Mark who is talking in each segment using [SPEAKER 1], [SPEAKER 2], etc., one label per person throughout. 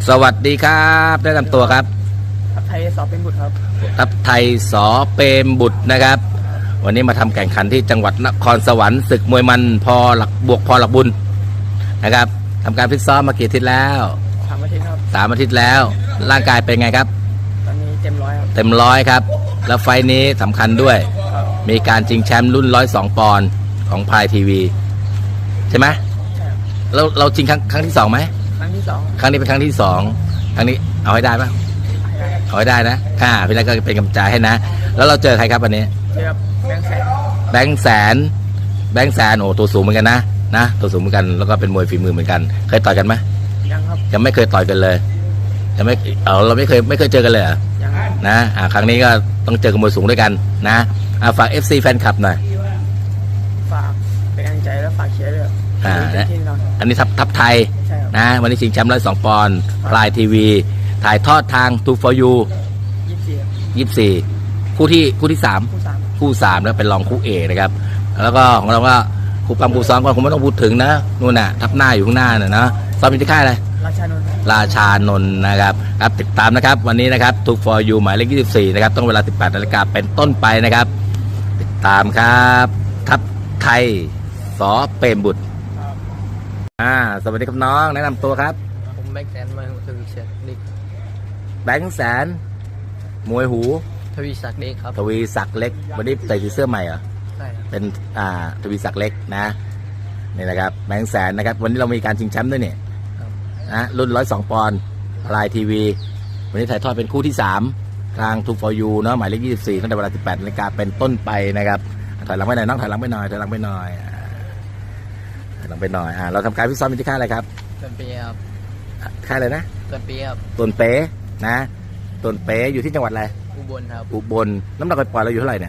[SPEAKER 1] สวัสดีครับแนะนำตัวครับ
[SPEAKER 2] ทัพไทยสอบเป็นบุตรครับ
[SPEAKER 1] ทัพไทยสอเปรมบุตรนะครับวันนี้มาทำแข่งขันที่จังหวัดนครสวรรค์ศึกมวยมันพอหลักบวกพอหลักบุญนะครับทำการฟิตซ้อมมากี่อาทิตย์แล้ว
[SPEAKER 2] 3 อาทิตย์ครับ
[SPEAKER 1] 3 อาทิตย์แล้วร่างกายเป็นไงครับ
[SPEAKER 2] ตอนนี้เต็มร้อยครับ
[SPEAKER 1] เต็มร้อยครับแล้วไฟนี้สำคัญด้วยมีการชิงแชมป์รุ่น102 ปอนด์ของพายทีวีใช่ไหม
[SPEAKER 2] ใช่
[SPEAKER 1] เราชิงครั้งที่2ไหม
[SPEAKER 2] ครั้งที่2
[SPEAKER 1] ครั้งนี้เป็นครั้งที่2ครั้งนี้เอาให้ได้ปะเอาให้ได้นะพี่นัทก็เป็นกำลังใจให้นะแล้วเราเจอใครครับวันนี้
[SPEAKER 2] เจอแบงค์แสน
[SPEAKER 1] แบงค์แสนโอ้ตัวสูงเหมือนกันนะตัวสูงเหมือนกันแล้วก็เป็นมวยฝีมือเหมือนกันเคยต่อยกันไหม
[SPEAKER 2] ยังครับ
[SPEAKER 1] ยังไม่เคยต่อยกันเลยยังไม่เราไม่เคยเจอกันเลย
[SPEAKER 2] ยัง
[SPEAKER 1] นะครั้งนี้ก็ต้องเจอกับมวยสูงด้วยกันนะฝาก FC แฟนคลับหน่อย
[SPEAKER 2] ฝากเป็นกำลังใจแล้วฝากเชียร์ด้วย
[SPEAKER 1] อันนี้ทัพไทยนะวันนี้ชิงแชมป์102 ปอนด์พลายทีวีถ่ายทอดทาง 2 for you 24คู่ที่3คู่3แล้วเป็นรองคู่เอกนะครับแล้วก็ของเราก็คู่ปั๊มคู่ซ้อมก็คงไม่ต้องพูดถึงนะนู่นน่ะทับหน้าอยู่ข้างหน้าน่ะนะซ้อมอยู่ที่ค่ายอะไรราชานนท์นะครับครับติดตามนะครับวันนี้นะครับ 2 for you หมายเลข24นะครับต้องเวลา 18 นาฬิกาเป็นต้นไปนะครับติดตามครับทัพไทยสอเปรมบุตรสวัสดีครับน้องแนะนำตัวครับ
[SPEAKER 2] ผมแบงค์แสนมาทวีศักดิ์เล็ก
[SPEAKER 1] แบงค์แสนมวยหู
[SPEAKER 2] ทวีศักดิ์เล็กครับ
[SPEAKER 1] ทวีศักดิ์เล็กวันนี้ใส่เสื้อใหม่เหรอ
[SPEAKER 2] ใช่
[SPEAKER 1] เป็นทวีศักดิ์เล็กนะนี่นะครับแบงค์แสนนะครับวันนี้เรามีการชิงแชมป์ด้วยเนี่ยนะรุ่น102 ปอนด์พลายทีวีวันนี้ถ่ายทอดเป็นคู่ที่3ทาง 2 for you เนาะหมายเลข24ตั้งแต่เวลา 18 นาฬิกาเป็นต้นไปนะครับถอยหลังไปหน่อยน้องถอยหลังไปหน่อยเราทำการฟิตซ้อมที่ค่ายอะไรครับ
[SPEAKER 2] ต้นเปียครับ
[SPEAKER 1] ค่ายอะไรนะ
[SPEAKER 2] ต้นเปียครับ
[SPEAKER 1] ต้นเป๊นะต้นเป๊อยู่ที่จังหวัดอะไร
[SPEAKER 2] อุบลครับ
[SPEAKER 1] อุบลน้ำหนักปล่อยเราอยู่เท่าไหร่เนี่ย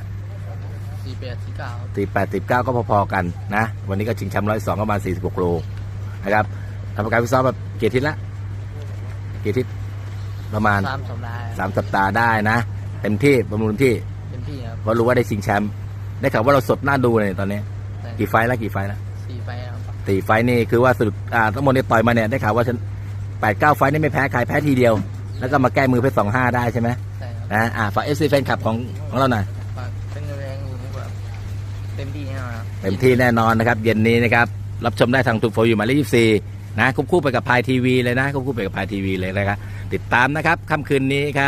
[SPEAKER 2] 48-49
[SPEAKER 1] ก็พอๆกันนะวันนี้ก็ชิงแชมป์102ประมาณ46 โลนะครับทำการฟิตซ้อมแบบกี่อาทิตย์ละประมาณ3 สัปดาห์ได้นะเต็มที่ประมูลที่
[SPEAKER 2] ครับ
[SPEAKER 1] เพราะรู้ว่าได้ชิงแชมป์ได้ข่าวว่าเราสดน่าดูเลยตอนนี้กี่ไฟแล้ว
[SPEAKER 2] 4 ไฟครับ
[SPEAKER 1] 4 ไฟนี่คือว่าสรุปทั้งหมดนี่ต่อยมาเนี่ยได้ข่าวว่าฉัน8-9 ไฟนี่ไม่แพ้ใครแพ้ทีเดียวแล้วก็มาแก้มือเพชร25ได้ใช่ไหม
[SPEAKER 2] ใช่ครับ
[SPEAKER 1] นะฝาก FC แฟนคลับของเราหน่อย
[SPEAKER 2] ฝากเป็นแรงแบบเต็มที่แน่นอน
[SPEAKER 1] นะครับเย็นนี้นะครับรับชมได้ทางทูโฟอยู่หมายเลข24นะคู่ไปกับพายทีวีเลยนะคู่ไปกับพายทีวีเลยนะครับติดตามนะครับค่ำคืนนี้ครับ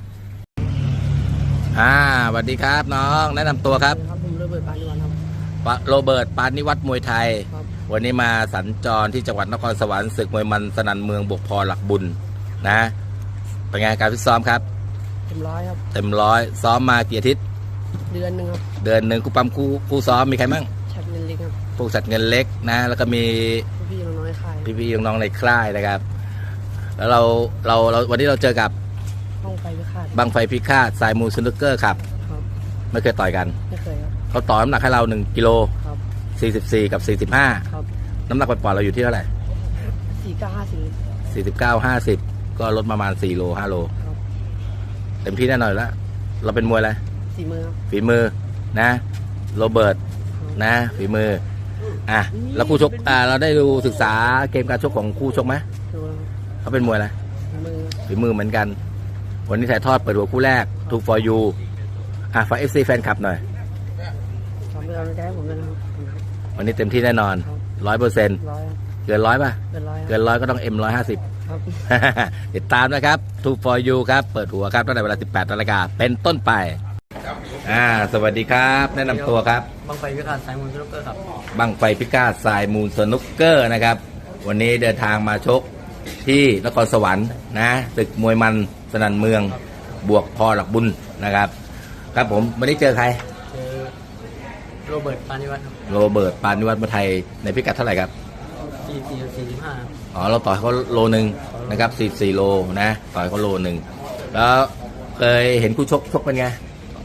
[SPEAKER 1] สวัสดีครับน้องแนะนำตัวครับ
[SPEAKER 2] ผมโรเบิร์ต ปานิวัฒน์ครับ
[SPEAKER 1] โรเบิร์ต ปานิวัฒน์มวยไทยวันนี้มาสัญจรที่จังหวัดนครสวรรค์ศึกมวยมันสนั่นเมืองบวกพอหลักบุญนะเป็นไงการฟิตซ้อมครับ
[SPEAKER 2] เต็มร้อยครับ
[SPEAKER 1] เต็มร้อยซ้อมมากี่อาทิตย์
[SPEAKER 2] เดือนหนึ่งครับ
[SPEAKER 1] คู่ปั๊มคู่ซ้อมมีใครบ้าง
[SPEAKER 2] ชัดเงินเล็กครับ
[SPEAKER 1] พวกสัตว์เงินเล็กนะแล้วก็มี
[SPEAKER 2] พี่น้องในค่าย
[SPEAKER 1] น้องในค่ายนะครับแล้วเราวันนี้เราเจอกับบังไฟพิฆาตสายมูสนุกเกอร์ครับไม่เคยต่อยกัน
[SPEAKER 2] ไม่เคยครับ
[SPEAKER 1] เขาต่อน้ำหนักให้เรา1 กิโล44 กับ 45น้ำหนักปล่อยเราอยู่ที่เท่าไหร่49-50ก็ลดประมาณ4 โล 5 โลเต็มที่แน่นอนแล้วเราเป็นมวยอะไรฝีมือนะโรเบิร์ตนะฝีมือแล้วคู่ชกเราได้ดูศึกษาเกมการชกของคู่ชกไหมเขาเป็นมวยอะไรฝีมือเหมือนกันวันนี้ถ่ายทอดเปิดหัวคู่แรก 2 for you ฝาก FC แฟนคลับหน่อยวันนี้เต็มที่แน่นอน 100%เกิน100ป่ะเกิน100ก็ต้อง M150 ติดตามนะครับ 2 for you ครับเปิดหัวครับตั้งแต่เวลา 18 นาฬิกาเป็นต้นไปสวัสดีครับแนะนำตัวครับ
[SPEAKER 2] บังไฟพิฆาตสายมูลสนุกเกอร์ครับ
[SPEAKER 1] บังไฟพิฆาตสายมูลสนุกเกอร์นะครับวันนี้เดินทางมาชกที่นครสวรรค์นะศึกมวยมันสนั่นเมืองบวกพอหลักบุญนะครับครับผมวันนี้เจอใคร
[SPEAKER 2] โรเบิร์ต ปานิวัฒน์
[SPEAKER 1] มาไทยในพิกัดเท่าไหร่ครับ
[SPEAKER 2] 44-45
[SPEAKER 1] เราต่อยเขาโลนึงนะครับ44 โลนะต่อยเขาโลนึงแล้วเคยเห็นคู่ชกเป็นไง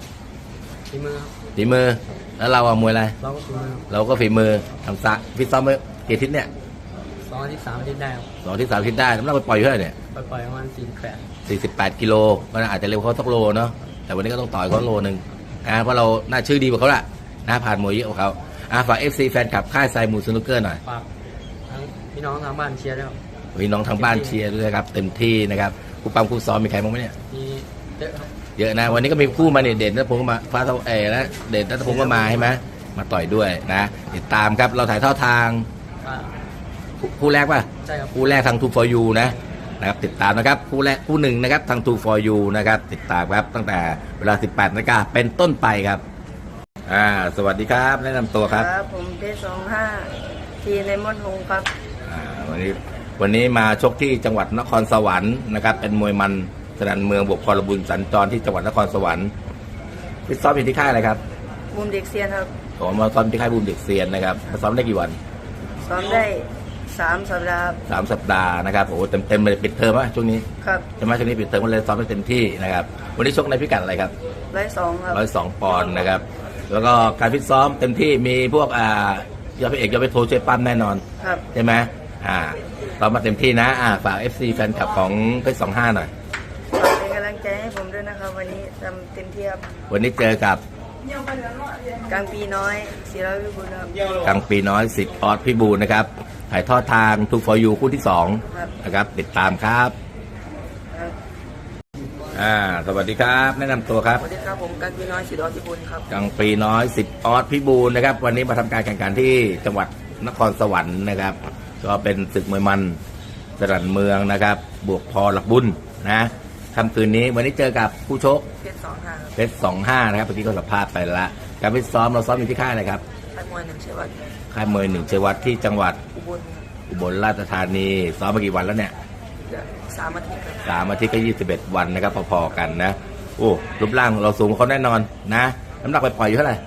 [SPEAKER 1] ฝีมือแล้วเรามวยอะไรเราก็ฝีมือทำซักฟิตซ้อมเมื่อกี่อาทิตย์เนี่ย
[SPEAKER 2] 2 อาทิตย์ 3 อาทิตย์ได้
[SPEAKER 1] 2 อาทิตย์ 3 อาทิตย์ได้น้ำหนักปล่อยเท่าไหร่เนี่ย
[SPEAKER 2] ปล่อยประมาณ
[SPEAKER 1] 48 กิโลมันอาจจะเร็วเขาสักโลเนาะแต่วันนี้ก็ต้องต่อยเขาโลนึงเพราะเราน่าชื่อดีกว่าเขาละนะผ่านมวยเยอะกว่าเขาฝาก FC แฟนคลับค่ายสายมูสนุกเกอร์หน่อย
[SPEAKER 2] ฝากทั้งพี่น้องทางบ้านเชียร์ด้วย
[SPEAKER 1] พี่น้องทางบ้านเชียร์ด้วยครับเต็มที่นะครับคู่ปั้มคู่ซ้อมมีใครบ้างไหมเนี่ย
[SPEAKER 2] มีเยอะครับ
[SPEAKER 1] เยอะนะวันนี้ก็มีคู่มาเนี่ยเด่นนัทพงศ์ก็มาฟ้าเท่านะเด่นนัทพงศ์ก็มาใช่ไหมมาต่อยด้วยนะติดตามครับเราถ่ายทอดทางคู่แรกป่ะ
[SPEAKER 2] ใช่ครับ
[SPEAKER 1] คู่แรกทาง True for You นะครับติดตามนะครับคู่แรกคู่หนึ่งนะครับทาง True for You นะครับติดตามครับตั้งแต่เวลา 18 นาฬิกาเป็นต้นไปครับสวัสดีครับแนะนำตัวครับ
[SPEAKER 2] ผมเพชร25ทีในมดหงครับ
[SPEAKER 1] วันนี้มาชกที่จังหวัดนครสวรรค์นะครับเป็นมวยมันสนันเมืองบวกพลบุญสัญจรที่จังหวัดนครสวรรค์ฟิตซ้อมอยู่ที่ค่ายอะไรครับ
[SPEAKER 2] บูมเด็กเซียนครับ
[SPEAKER 1] ผมมาซ้อมที่ค่ายบูมเด็กเซียนนะครับมาซ้อมได้กี่วัน
[SPEAKER 2] ซ้อมได้3 สัปดาห์
[SPEAKER 1] 3 สัปดาห์นะครับโอ้เต็มเลยปิดเทอมวะช่วงนี้
[SPEAKER 2] ครับ
[SPEAKER 1] ใช่ไหมช่วงนี้ปิดเทอมก็เลยซ้อมได้เต็มที่นะครับวันนี้ชกในพิกัดอะไรครับ
[SPEAKER 2] 102ครับ
[SPEAKER 1] 102 ปอนด์นะครับแล้วก็การฟิตซ้อมเต็มที่มีพวกยอดพระเอกยอดไปโทรช่วยปั้มแน่นอน
[SPEAKER 2] ครับ
[SPEAKER 1] ใช่ไหมซ้อมมาเต็มที่นะฝาก FC แฟนคลับของเพชร25หน่อย
[SPEAKER 2] ฝากเป็นกำลังใจให้ผมด้วยนะครับวันนี้ทำเต็มที่ครับ
[SPEAKER 1] วันนี้เจอกับ
[SPEAKER 2] กลางปีน้อย400วิบุญครับ
[SPEAKER 1] กลางปีน้อยสิทธิ์ออสพิบูลนะครับถ่ายทอดทาง True for You คู่ที่
[SPEAKER 2] ครับ
[SPEAKER 1] 2นะครับติดตามครับ
[SPEAKER 2] ครับ
[SPEAKER 1] สวัสดีครับแนะนำตัวครับ
[SPEAKER 2] สวัสดีครับผมกลางปีน้อย400วิบุญครับ
[SPEAKER 1] กลางปีน้อยสิทธิ์ออสพิบูลนะครับวันนี้มาทำการแข่งขันที่จังหวัดนครสวรรค์นะครับก็เป็นศึกมวยมันสรันเมืองนะครับบวกพอหลักบุญนะค่ำคืนนี้วันนี้เจอกับผู้ชก
[SPEAKER 2] เพชร25ครับ
[SPEAKER 1] เพชร25นะครับเมื่อกี้ก็สัมภาษณ์ไปละการฟิตซ้อมเราซ้อมอยู่ที่ค่ายอะไรครับ
[SPEAKER 2] ค่ายมวยหนึ่งเชวัต
[SPEAKER 1] ค่ายมวยหนึ่งเชยวัดที่จังหวัด
[SPEAKER 2] อุบลครับ
[SPEAKER 1] อุบลราชธานีซ้อมมากี่วันแล้วเนี่ย
[SPEAKER 2] เดี๋ยว3 อาทิตย์ครับ
[SPEAKER 1] 3 อาทิตย์ก็21 วันนะครับพอๆกันนะโอ้รูปร่างเราสูงกว่าเขาแน่นอนนะน้ำหนักไปปล่อยอยู่เท่าไหร่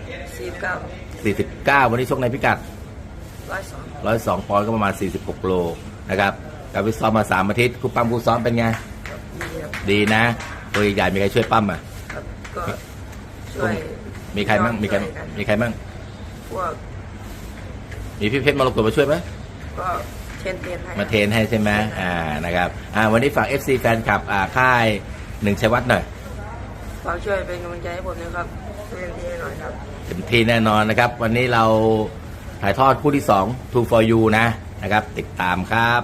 [SPEAKER 2] 49
[SPEAKER 1] 49 วันนี้ชกในพิกัด
[SPEAKER 2] 102
[SPEAKER 1] 102 ปอนด์ก็ประมาณ 46 โลนะครับการฟิตซ้อมมา 3 อาทิตย์ครูปั้มครูซ้อมเป็นไง
[SPEAKER 2] ครับดีครับ
[SPEAKER 1] ดีนะตัวใหญ่ๆมีใครช่วยปั้มอ่ะ
[SPEAKER 2] ครับก็ช่วย
[SPEAKER 1] มีใครบ้างมีใคร
[SPEAKER 2] ช่วยกัน
[SPEAKER 1] มีใครบ้าง
[SPEAKER 2] พวก
[SPEAKER 1] มีพี่เพชรมรกตมาช่วยไหม
[SPEAKER 2] ก็เทรนให้
[SPEAKER 1] มาเทรนให้ใช่ไหมนะครับวันนี้ฝาก FC แฟนคลับค่ายหนึ่งชัยวัฒน์หน่อย
[SPEAKER 2] ฝากช่วยเป็นกำลังใจให้ผมนะครับเต็มที่หน่อยครับ
[SPEAKER 1] เต็มที่แน่นอนนะครับ วันนี้เราถ่ายทอดคู่ที่ 2 True for You นะครับ ติดตามครับ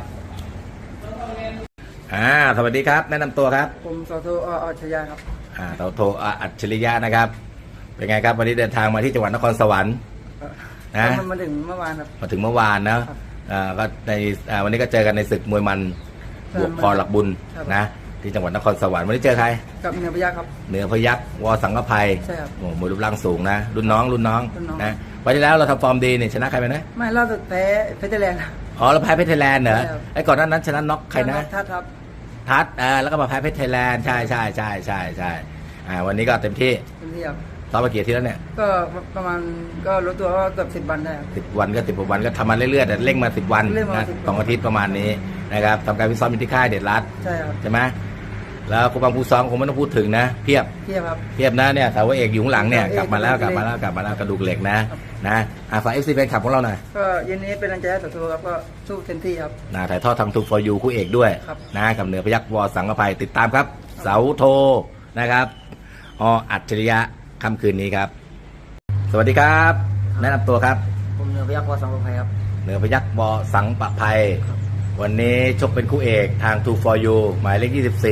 [SPEAKER 1] สวัสดีครับ แนะนำตัวครับ
[SPEAKER 2] ผมสอโทอัจฉริยะครับ
[SPEAKER 1] เราโทรอัจฉริยะนะครับ เป็นไงครับวันนี้เดินทางมาที่จังหวัดนครสวรรค์นะ
[SPEAKER 2] มาถึงเมื่อวานครับ
[SPEAKER 1] มาถึงเมื่อวานนะก็ในวันนี้ก็เจอกันในศึกมวยมันบวกพอหลักบุญ
[SPEAKER 2] ครับ
[SPEAKER 1] นะที่จังหวัดนครสวรรค์วันนี้เจอใคร
[SPEAKER 2] กับเนื้อพยักครับ
[SPEAKER 1] เหนือพยัคฆ์วอสังกภัย
[SPEAKER 2] ใช่ครับ
[SPEAKER 1] โอ้มวยรูปร่างสูงนะ รุ่นน้อง
[SPEAKER 2] รุ่นน้อง
[SPEAKER 1] นะวันที่แล้วเราทำฟอร์มดีนี่ชนะใครไปนะ
[SPEAKER 2] ไม่ล่าสุดแพ้เพชรแลนด์
[SPEAKER 1] อ๋อเราแพ้เพชรไทยแลนด์เหรอ
[SPEAKER 2] ใช่ครับ
[SPEAKER 1] ไอ้ก่อนหน้านั้นชนะน็อกใครนะ
[SPEAKER 2] ทัดครับ
[SPEAKER 1] ทัดแล้วก็มาแพ้เพชรไทยแลนด์ใช่วันนี้ก็เต็มที่
[SPEAKER 2] เต็มที่ครับ
[SPEAKER 1] ซ้อมมากี่อาที่แล้วเนี่ย
[SPEAKER 2] ก็ประมาณก็รู้ตัวว่าเกือบ10 วันได้ครับ
[SPEAKER 1] 10 วันก็10 วันก็ทำมาเรื่อยๆแต่เร่งมา10 วัน
[SPEAKER 2] เร่งมา
[SPEAKER 1] นะ
[SPEAKER 2] 10
[SPEAKER 1] 2 อาทิตย์ประมาณนี้นะครับทำการฟิตซ้อมอยู่ที่ค่ายเด็ดรัด
[SPEAKER 2] ใช่ครับ
[SPEAKER 1] ใช่ไหมแล้วครูบังครูซ้อมคงไม่ต้องพูดถึงนะเพียบ
[SPEAKER 2] เทียบครับ
[SPEAKER 1] เทียบนะเนี่ยสาวเอกอยู่ข้างหลังเนี่ย
[SPEAKER 2] เอก
[SPEAKER 1] กลับมาแล้ว
[SPEAKER 2] ก
[SPEAKER 1] ก
[SPEAKER 2] ระ
[SPEAKER 1] ลั
[SPEAKER 2] ดู
[SPEAKER 1] บ
[SPEAKER 2] กเหล็ก
[SPEAKER 1] มาแล้วกระดูกเหล็กนะฝาก FC แฟนคลับของเราหน่อย
[SPEAKER 2] ก็เย็นนี้เป็นกำลังใจให้สอโทครับก็สู้เต็มที่ครับ
[SPEAKER 1] ถ่ายทอดทาง True for You คู่เอกด้วย
[SPEAKER 2] ครับ
[SPEAKER 1] นะกับเหนือพยัคฆ์วอสังกภัยติดตามครับ เสาโทนะครับอัจฉริยะค่ำคืนนี้ครับ สวัสดีครับ แนะนำตัวครับ
[SPEAKER 2] ผมเนื้อพยักวอสังกภัยครับ
[SPEAKER 1] เหนือพยัคฆ์วอสังปภัย วันนี้ชกเป็นคู่เอกทาง True for You หมายเลข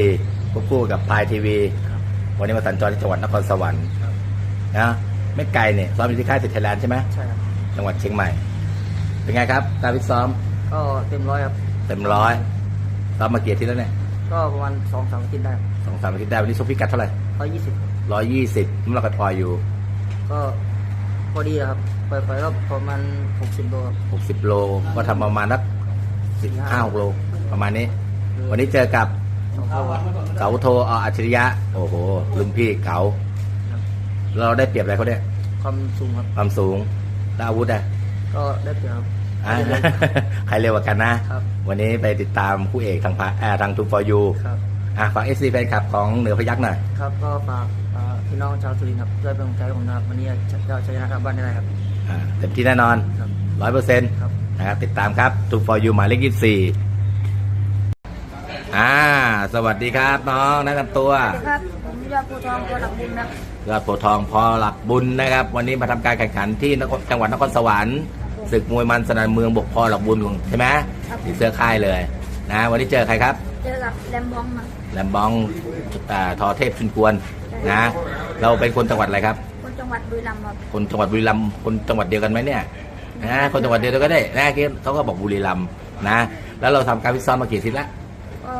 [SPEAKER 1] 24ควบคู่กับพายทีวีวันนี้มาสัญจรที่จังหวัดนครสวรรค์นะไม่ไกลเนี่ยซ้อมอยู่ที่ค่ายสิทธิ์ไทยแลนด์ใช่ไหม
[SPEAKER 2] ใช่ครับ
[SPEAKER 1] จังหวัดเชียงใหม่ เป็นไงครับการฟิตซ้อม
[SPEAKER 2] ก็เต็มร้อยครับ
[SPEAKER 1] เต็มร้อยซ้อมมากี่อาที่แล้วเนี่ย
[SPEAKER 2] ก็ประมาณ2-3 อาทิตย์ได้
[SPEAKER 1] 2-3 อาทิตย์ได้วันนี้ชกพิกัดเท่าไหร่
[SPEAKER 2] 120
[SPEAKER 1] 120น้ำหนักพออยู่
[SPEAKER 2] ก็พอดีครับปล่อยๆก็ประมาณ60 โลครับ
[SPEAKER 1] 60 โลก็ทำประมาณนัก15-16 โลประมาณนี้ วันนี้เจอกับ
[SPEAKER 2] 2 เท่าครับ
[SPEAKER 1] เสาโทอัจฉริยะโอ้โหรุ่นพี่เก๋าเราได้เปรียบอะไรเขาเนี่ย
[SPEAKER 2] ความสูงครับ
[SPEAKER 1] ความสูงและอาวุธอะ
[SPEAKER 2] ก็ได้เปรียบครับ
[SPEAKER 1] อ่ะ ใครเร็วกว่ากันนะ
[SPEAKER 2] ครับ
[SPEAKER 1] วันนี้ไปติดตามคู่เอกทางทาง True for You
[SPEAKER 2] ครับ
[SPEAKER 1] ฝาก FC แฟนคลับของเหนือพยัคฆ์หน่อย
[SPEAKER 2] ครับก็ฝากพี่น้องชาวสุรินทร์ครับช่วยเป็นกำลังใจให้ผมนะครับวันนี้จะชนะครับบ้านได้ครับ
[SPEAKER 1] เต็มที่แน่นอน
[SPEAKER 2] ครับ
[SPEAKER 1] 100%
[SPEAKER 2] ครับ
[SPEAKER 1] นะครับติดตามครับ True for You หมายเลข24สวัสดีครับน้องแนะนำตัว
[SPEAKER 3] สวัสดีครับ ผมยอดภูทองพอหลักบุญครับ
[SPEAKER 1] ยอดโพธิ์ทองพอหลักบุญนะครับ วันนี้มาทำการแข่งขันที่จังหวัดนครสวรรค์ศึกมวยมันสนันเมืองบกพอหลักบุญใช่ไหมที่เสื้อค่ายเลยนะวันนี้เจอใครครับ
[SPEAKER 3] เจอกับแรมบองครับ
[SPEAKER 1] แลมบองทอเทพชุนกวนนะเราเป็นคนจังหวัดอะไรครับ
[SPEAKER 3] คนจังหวัดบุรีรัมย์ครับ
[SPEAKER 1] คนจังหวัดบุรีรัมย์คนจังหวัดเดียวกันไหมเนี่ยนะคนจังหวัดเดียวกันก็ได้นะเขาก็บอกบุรีรัมย์นะแล้วเราทำการฟิตซ้อมมากี่อาทิตย์ละ
[SPEAKER 3] ก็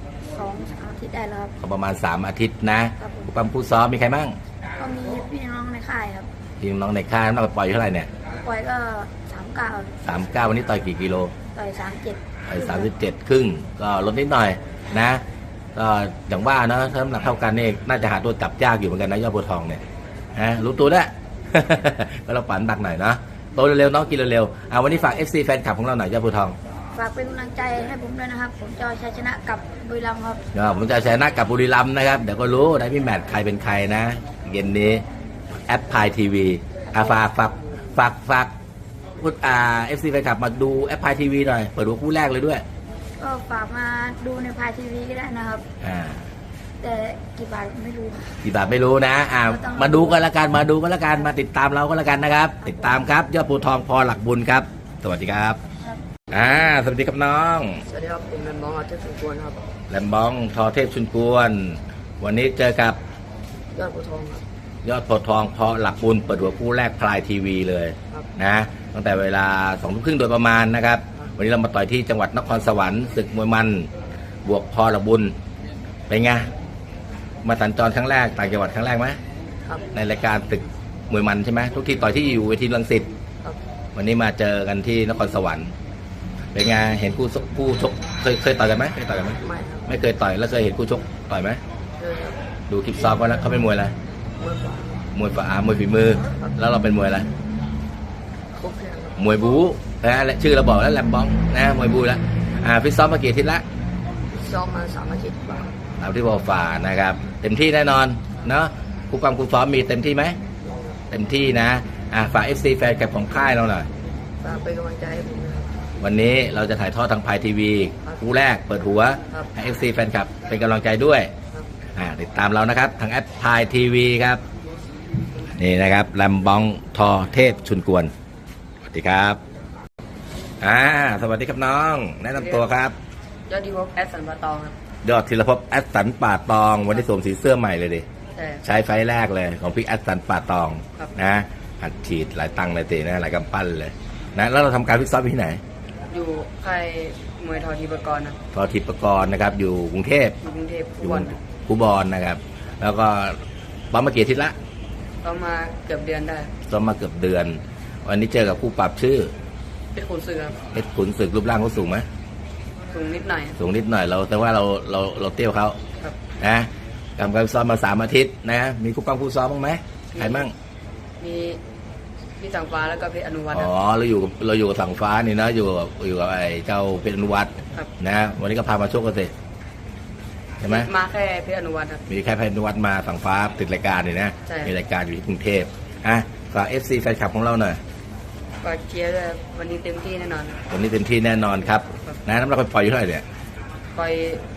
[SPEAKER 3] 2-3 อาทิตย์ได้แล้วครับ
[SPEAKER 1] ก็ประมาณ3 อาทิตย์นะครับ ผู้ปั้มผู้ซ้อมมีใครบ้าง
[SPEAKER 3] ก็มีพี่น้องในค่ายครับ
[SPEAKER 1] ทีมน้องในค่ายน้ำหนักปล่อยอยู่เท่าไหร่เนี่ย
[SPEAKER 3] ปล่อยก็39
[SPEAKER 1] 39วันนี้ต่อยกี่กิโล
[SPEAKER 3] ต่อย37
[SPEAKER 1] ต่อย37ครึ่งก็ลดนิดหน่อยนะก็อย่างว่านะถ้าน้ำหนักเท่ากันนี่น่าจะหาตัวจับยากอยู่เหมือนกันนะยอดบัวทองเนี่ยฮะรู้ตัวได้ ก็เราปั่นดักหน่อยนะโตเร็วๆน้องกินเร็วๆวันนี้ฝาก FC แฟนคลับของเราหน่อยยอดบัวทอง
[SPEAKER 3] ฝากเป็นกำลังใจให้ผมด้วยนะครับ ผมจะเอาชัยชนะกับบุรีรัมย์ครับ
[SPEAKER 1] ผมจะชนะกับบุรีรัมย์นะครับเดี๋ยวก็รู้ได้พี่แมทใครเป็นใครนะเย็นนี้แอปพายทีวีฝากพูดFC แฟนคลับมาดูแอปพายทีวีหน่อยเปิดดูคู่แรกเลยด้วย
[SPEAKER 3] ก็ฝากมาดูในพายทีวีก็ได้นะครับ
[SPEAKER 1] อ่า
[SPEAKER 3] แต่กี่บาทไม่รู้
[SPEAKER 1] กี่บาทไม่รู้นะมาดูกันละกันมาดูกันละกันมาติดตามเราก็แล้วกันนะครับ ติดตามครับยอดภูทองพอหลักบุญครับ สวัสดีครับ
[SPEAKER 3] ครับ
[SPEAKER 1] สวัสดีครับน้อง
[SPEAKER 2] สวัสดีครับผมแรมบองอาเทพสุกวนครับ
[SPEAKER 1] แลมบองทอเทพชุนกวน วันนี้เจอกับ
[SPEAKER 2] ยอดบัวทองครับ
[SPEAKER 1] ยอดโพธิ์ทองพอหลักบุญเปิดหัวคู่แรกพลายทีวีเลย
[SPEAKER 2] ครับ
[SPEAKER 1] นะตั้งแต่เวลา20:30โดยประมาณนะครับ วันนี้เรามาต่อยที่จังหวัดนครสวรรค์ศึกมวยมันบวกพอหลักบุญเป็นไงมาสัญจรครั้งแรกต่างจังหวัดครั้งแรกไหม
[SPEAKER 2] ครับ
[SPEAKER 1] ในรายการศึกมวยมันใช่ไหมทุกทีต่อยที่อยู่เวทีรังสิต
[SPEAKER 2] ครับ
[SPEAKER 1] วันนี้มาเจอกันที่นครสวรรค์เป็นไงเห็นผู้ชกเคยต่อยกันไหมเคยต่อยกันไหม
[SPEAKER 2] ไม่ครับ
[SPEAKER 1] ไม่เคยต่อยแล้วเคยเห็นผู้ชกต่อยไหม
[SPEAKER 2] เจอครับ
[SPEAKER 1] ดูคลิปซ้อมก็แล้วเขาเป็นมวยอะไร
[SPEAKER 2] เมื่อก่อน
[SPEAKER 1] มวยมวยฝีมือ แล้วเราเป็นมวยอะไร
[SPEAKER 2] ครบแค่ครับ
[SPEAKER 1] มวยบู๊นะและชื่อเราบอกแล้วแลมบองนะมวยบู๊แล้วฟิตซ้อมมากี่อาทิตย์ละ
[SPEAKER 2] ซ้อมมา3 อาทิตย์กว่า
[SPEAKER 1] ตามที่บอกฝ่านะครับเต็มที่แน่นอนเนาะครูความครูซ้อมมีเต็มที่ไหมเต็มที่นะฝาก FC แฟนคลับของค่ายเราหน่อย
[SPEAKER 2] ฝากเป็นกำลังใจให้ผมนะครับ
[SPEAKER 1] วันนี้เราจะถ่ายทอดทางพายทีวีคู่แรกเปิดหัว
[SPEAKER 2] ครับ
[SPEAKER 1] ให้ FC แฟนคลับเป็นกำลังใจด้วย
[SPEAKER 2] ครับ
[SPEAKER 1] ติดตามเรานะครับทางแอปพายทีวีครับนี่นะครับแลมบองทอเทพชุนกวนสวัสดีครับสวัสดีครับน้องแนะนำตัวครับ
[SPEAKER 2] ยอดดีพบแอดสันปะตองครับ
[SPEAKER 1] ยอดธีรภพแอดสันป่าตองวันนี้สวมสีเสื้อใหม่เลยดิ
[SPEAKER 2] ใช่
[SPEAKER 1] ใช้ไฟล์แรกเลยของพี่แอดสันป่าตอง
[SPEAKER 2] ครับ
[SPEAKER 1] นะอัดฉีดหลายตังค์เลยตีนะหลายกำปั้นเลยนะแล้วเราทำการฟิตซ้อมที่ไหน
[SPEAKER 2] อยู่ค่ายมวยทอทีปกรณ์ครับ
[SPEAKER 1] ทอทิปกรณ์นะครับอยู่กรุงเทพ
[SPEAKER 2] อยู่กรุงเทพ
[SPEAKER 1] อ
[SPEAKER 2] ทุ
[SPEAKER 1] ยู่
[SPEAKER 2] กวัน
[SPEAKER 1] คูบอลนะครับ แล้วก็ซ้อมมากี่อาทิตย์ละ
[SPEAKER 2] ก็มาเกือบเดือนได้
[SPEAKER 1] ซ้อมมาเกือบเดือน วันนี้เจอกับคู่ปรับชื่อ
[SPEAKER 2] เป็นคนซื้อครับ
[SPEAKER 1] เพชรขุนศึกรูปร่างเขาสูงไหม
[SPEAKER 2] สูงนิดหน่อย
[SPEAKER 1] สูงนิดหน่อยแต่ว่าเราเตี้ยวเขา
[SPEAKER 2] ครับ
[SPEAKER 1] นะทำการซ้อมมา3 อาทิตย์นะมีคู่ปั้มคู่ซ้อมบ้างไหมใครมั่ง
[SPEAKER 2] มีพี่สังฟ้าแล้วก็เพชรอนุวัฒน์
[SPEAKER 1] อ๋
[SPEAKER 2] ค
[SPEAKER 1] อ
[SPEAKER 2] รับ
[SPEAKER 1] เราอยู่กับฝั่งฟ้านี่นะอยู่กับไอ้เจ้าเพชรอนุวัฒน์
[SPEAKER 2] ครับ
[SPEAKER 1] นะวันนี้ก็พามาชกกันสิใช่ไหม
[SPEAKER 2] มาแค่เพชรอนุวัฒน์ครับ
[SPEAKER 1] มีแค่เพชรอนุวัฒน์มาฝั่งฟ้าติดรายการนี่นะ
[SPEAKER 2] ใช่
[SPEAKER 1] มีรายการอยู่ที่กรุงเทพฝาก FC แฟนคลับของเราหน่อย
[SPEAKER 2] ก็เชียร์ด้วยวันนี้เต็มที่แน่นอน
[SPEAKER 1] วันนี้เต็มที่แน่นอนครับนะน้ำหนักปล่อยอยู่เท่าไหร่เนี่ย
[SPEAKER 2] ปล่อย